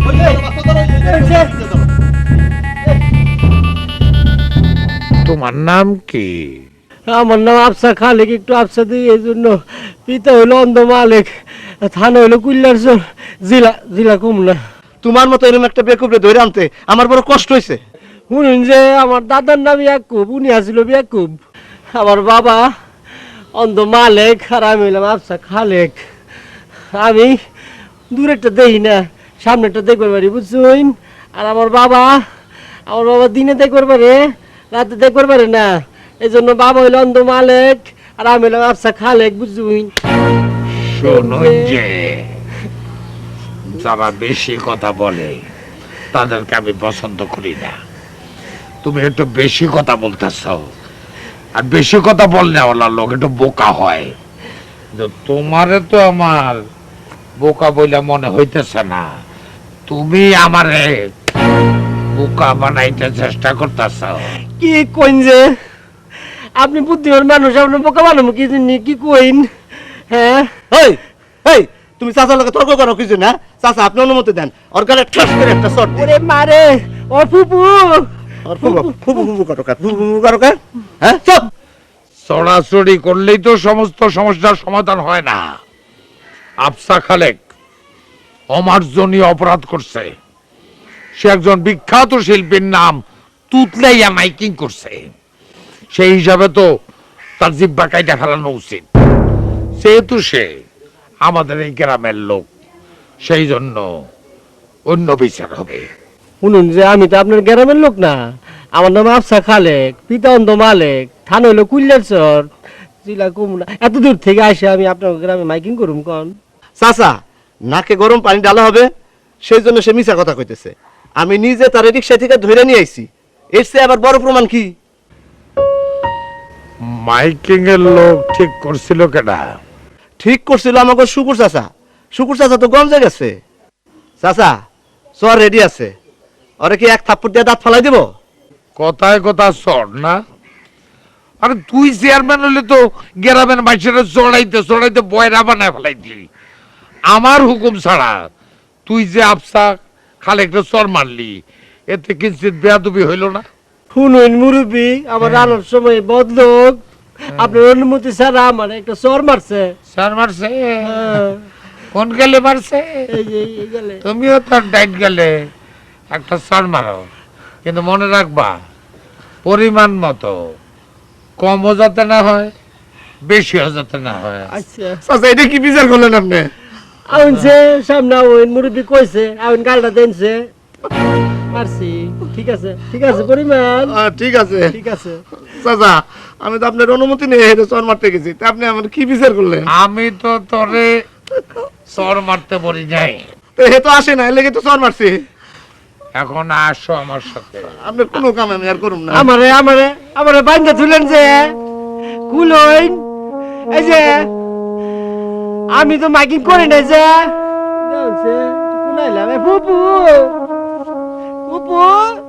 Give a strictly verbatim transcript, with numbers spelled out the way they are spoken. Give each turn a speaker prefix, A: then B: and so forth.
A: তোমার নাম কি?
B: আমার নাম আফসা খালেক, একটু আফসা দিই এই জন্য। পিতা হইলো অন্ধ মালিক, থানা হইলো কুল্লারচর, জেলা জেলা কুমলা।
C: তোমার মতো এরকম একটা বেকুবরে ধরে আনতে আমার বড় কষ্ট হয়েছে।
B: শুনুন যে আমার দাদার নাম ইয়াকুব, উনি আসছিল ইয়াকুব। আমার বাবা অন্ধ মালিক আর আমি হইলাম আফসা খালেক। আমি দূরেরটা দেখি না, সামনেরটা দেখবার পারি, বুঝছুন? আর আমার বাবা আমার বাবা দিনে দেখবার পারে, রাতে দেখবার পারে না। এই জন্য বাবা হইল অন্ধ মালিক আর আমি হইলাম আফসা খালেক, বুঝছুন?
A: শুনুন যে যারা বেশি কথা বলে তাদেরকে আমি পছন্দ করি না। তুমি একটু বেশি কথা বলতেছ, আর বেশি কথা বললে ওলা লোক একটু বোকা হয়। তোমারে তো আমার বোকা বইলা মনে হইতেছে না, তুমি আমারে বোকা বানাইতে চেষ্টা করতেছ।
B: কি কইন যে আপনি বুদ্ধিমান মানুষ, আপনি বোকা বানাবো কি জন্য? কি কইন? হ্যাঁ
C: এই এই তুমি চাচার লোকে তর্ক করো কিছু না? চাচা আপনি অনুমতি দেন, ওর গালে ঠাস করে একটা শট দিন।
B: ওরে মারে, ও ফুপু
C: ওর ফুবু ফুবু ফুবু করো কার, ফুবু ফুবু করো কার? হ্যাঁ চুপ।
A: চড়াচড়ি করলেই তো সমস্ত সমস্যার সমাধান হয় না। আফসা খালেক অমার্জনীয় অপরাধ করছে। সে একজন বিখ্যাত শিল্পীর নাম তুতলাইয়া মাইকিং করছে। সেই হিসাবে তো তার জিব্বা কাইটা ফেলানো উচিত। যেহেতু সে আমাদের এই গ্রামের লোক, সেই জন্য অন্য বিচার হবে।
B: শুনুন যে আমি তো আপনার গ্রামের লোক না, আমার নাম আফসা খালেক, পিতা অন্ধ মালিক, থানা হইলো কুল্লারচর, জেলা কুমলা। এত দূর থেকে আসে আমি আপনার গ্রামে মাইকিং করুম কন?
C: চাচা নাকে গরম পানি ডালা হবে, সেই জন্য সে মিছা কথা কইতেছে। আমি নিজে তার রিক্সা থেকে ধরে নিয়ে আইছি। এর চেয়ে আবার বড় প্রমাণ কি?
A: মাইকিং এর লোক ঠিক করছিল কেডা?
C: ঠিক করছিল আমাকে শুকুর চাচা। শুকুর চাচা তো গঞ্জে গেছে। চাচা চর রেডি আছে, ওরে কি এক থাপ্পড় দিয়ে দাঁত ফালাই দিব?
A: কথায় কথা চড় না। আরে তুই চেয়ারম্যান হলে তো গ্রামের মানুষের চড়াইতে চড়াইতে বয়রা বানায় ফেলাইতি। আমার হুকুম ছাড়া তুই যে আফসা খালেকটা চর মারলি, এতে কিঞ্চিত বেয়াদবি হইল না?
B: শুনুন মুরব্বী, আমার রান্নার সময় বদলোক আপনার অনুমতি ছাড়া আমার একটা চর মারছে।
A: চর মারছে?
B: হ্যাঁ,
A: কোন গেলে মারছে?
B: এই যে এই গেলে।
A: তুমিও তোর ডাইট গেলে একটা চর মারো, কিন্তু মনে রাখবা পরিমাণ মতো, কমও যাতে না হয়, বেশিও যাতে না হয়।
B: আচ্ছা
C: চাচা এটা কি বিচার করলেন আপনি?
B: আউনছে সামনে আউন মুরব্বী কইছে, আউন গালটা দেনছে, মারছি। ঠিক আছে ঠিক আছে পরিমাণ,
C: আহ, ঠিক আছে
B: ঠিক আছে।
C: চাচা আমি তো আপনার অনুমতি নিয়ে হেঁটে চর মারতে গেছি, তা আপনি আমার কি বিচার করলেন?
A: আমি তো তোরে চর মারতে বলি নাই।
C: তো হে তো আসে না, এর লেগে তো চর মারছি।
A: এখন আসো আমার সাথে।
C: আপনার কোনো কাম আমি আর করুম না।
B: আমারে আমারে আমারে বাইন্দা তুলেন যে কুলইন, এই যে আমি তো মাইকিং করি না যে কুনাইলাম ফুপু ফুপু